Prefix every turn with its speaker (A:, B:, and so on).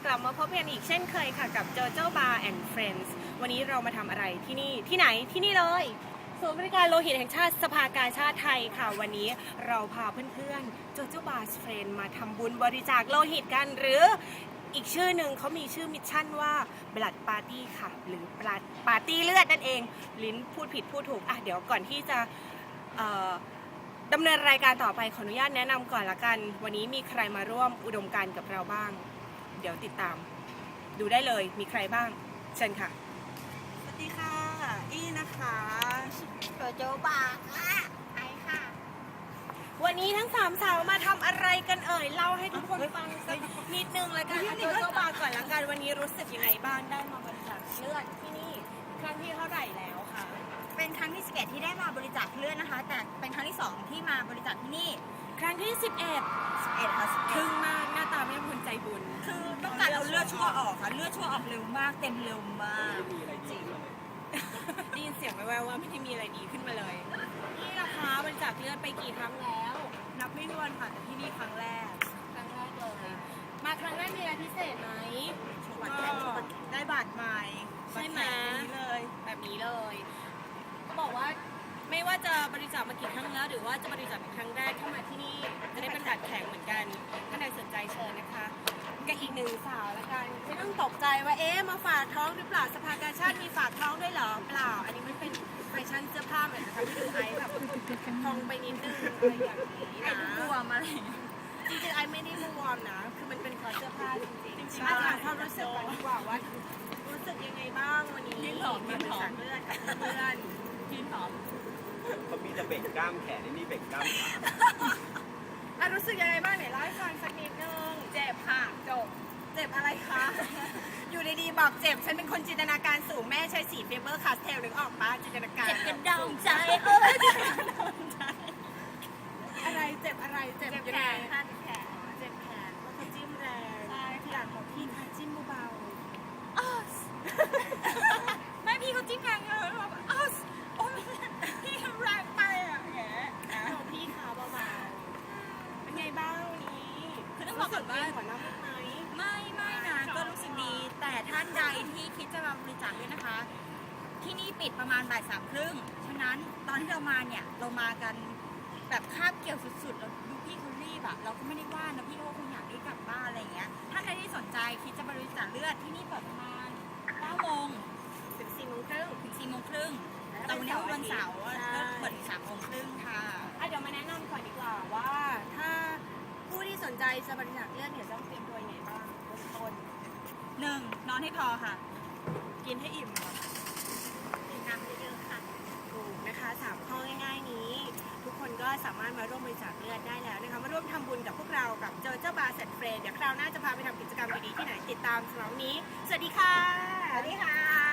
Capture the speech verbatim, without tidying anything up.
A: กลับมาพบกันอีกเช่นเคยค่ะกับ JoJo Bar and Friends วันนี้เรามาทำอะไรที่นี่ที่ไหนที่นี่เลยศูนย์บริการโลหิตแห่งชาติสภากาชาติไทยค่ะวันนี้เราพาเพื่อนๆ JoJo Bar and Friends มาทำบุญบริจาคโลหิตกันหรืออีกชื่อหนึ่งเขามีชื่อมิชชั่นว่า Blood Party ค่ะหรือ Blood Party เลือดนั่นเองลิ้นพูดผิดพูดถูกอ่ะเดี๋ยวก่อนที่จะดำเนินรายการต่อไปขออนุญาตแนะนำก่อนละกันวันนี้มีใครมาร่วมอุดมการณ์กับเราบ้างเดี๋ยวติดตามดูได้เลยมีใครบ้างเชิญค่ะสวัสดีค่ะอี้นะคะ
B: โจโจบาค่ะไอค่ะ
A: วันนี้ทั้งสามสาวมาทำอะไรกันเอ่ยเล่าให้ทุกคนฟังสักนิดนึงละกันโจโจบาก่อนละกันวันนี้รู้สึกยังไงบ้างได้มาบริจาคเลือดที่นี่ครั้งที่เท่าไหร่แล้วค่ะ
B: เป็นครั้งที่สิบเอ็ดที่ได้มาบริจาคเลือดนะคะแต่เป็นครั้งที่สองที่มาบริจาคที่นี่
A: ครั้งที่สิบเอ็ด
B: สิบเอ็ดค่ะ
A: ครึ่งมากหน้าตาไม่เป็นคนใจบุญ
B: คือต้องการเอาเลือดชั่วออกค่ะเลือดชั่วออกเร็วมากเต็มเร็วมากจริง
A: ได้ยินเสียงแว่วๆว่าไม่ได้มีอะไรดีขึ้นมาเลยนี่นะคะบริจาคเลือดไปกี่ครั้งแล้ว
B: นับไม่ถ้วนค่ะแต่ที่นี่ครั้งแรก
A: ครั้งแรกเลยมาครั้งแรกมีอะไรพิเศษไหม
B: ได้บาดใหม่
A: ใช่ไหมเลยแบบนี้เลยก็บอกว่าไม่ว่าจะบริจาคมากี่ครั้งแล้วหรือว่าจะบริจาคเป็นครั้งแรกเข้ามาที่นี่จะได้เป็นบัตรแข็งเหมือนกันถ้าใครสนใจเชิญนะคะกับอีกหนึ่งสาวละกันไม่ต้องตกใจว่าเอ๊ะมาฝากท้องหรือเปล่าสภากาชาติมีฝากท้องด้วยเหรอเปล่าอันนี้ไม่เป็นแฟชั่นเสื้อผ้าเหมือนนะคะที่ดูไอแบบทองไปนิดนึงอะไรอย่างนี้นะ
B: บวมอะไร
A: จริงๆไอไม่ได้บวมนะคือมันเป็นคอเสื้อผ้าจริงๆถามความรู้สึกก่อนดีกว่าว่ารู้สึกยังไงบ้างวันนี้
B: หอมมีหอม
A: เลือดกับเพื่อน
B: พี่หอม
C: เขามีแต่เบ่งกล้ามแขนนี่เบ่งกล้ามขา
A: อ่ะรู้สึกยังไงบ้างไหนเล่าให้ฟังสักนิดนึง
B: เจ็บค่ะจบ
A: เจ็บอะไรคะ อยู่ดีๆบอกเจ็บฉันเป็นคนจินตนาการสูงแม่ใช้สีเฟเบอร์คาสเทลหรือออกมาจินตนาการ
B: เจ็บกระดองใจเอ้ย
A: อะไรเจ็บอะไรเจ็บ
B: แขนค่ะแขน
A: เจ็บแขนเพราะเขาจิ้มแรงใช่อยากบอกพี่ค่ะจิ้มเบา
B: ๆไม่พี่เขาจิ้มแรงเลยแบบอ้าวโอ้ยพี่แรงไปอ่ะแหม
A: บอกพี่ขาเบาๆเป็นไงบ้างวันนี้
B: คือต้องบอกก่อนว่า
A: หัวหน้าไหม
B: ไม่ไม่นะก็รู้สึกดีแต่ท่านใดที่คิดจะมาบริจาคด้วยนะคะที่นี่ปิดประมาณบ่ายสามครึ่งฉะนั้นตอนที่เรามาเนี่ยเรามากันแบบคาบเกี่ยวสุดๆแล้วดูพี่เขารีบอะเราก็ไม่ได้ว่านะพี่เขาคงอยากได้กลับบ้านอะไรอย่างเงี้ยถ้าใครที่สนใจคิดจะบริจาคเลือดที่นี่เปิดประมาณเก้าโมง
A: ถึงสี่โมงครึ่ง
B: ถึงสี่โมงครึ่งตอนนี้วันเสาร์ก็เปิดถึงสามโมงครึ่งค่ะ
A: เดี๋ยวมาแนะนำก่อนดีกว่าว่าถ้าผู้ที่สนใจจะบริจาคเลือดเนี่ยต้องเตรียมตัวยังไงบ้างเบื้องต้น
B: หนึ่งนอนให้พอค่ะ
A: กินให้อิ่ม
B: ดื่มน้ำเยอะๆค่ะ
A: ถูกนะคะสามข้อง่ายๆนี้ทุกคนก็สามารถมาร่วมบริจาคเลือดได้แล้วนะคะมาร่วมทำบุญกับพวกเรากับเจอเจ้าบาร์แซนเฟรนเดี๋ยวคราวหน้าจะพาไปทำกิจกรรมดีๆที่ไหนติดตามสำหรับวันนี้สวัสดีค่ะ
B: สวัสดีค่ะ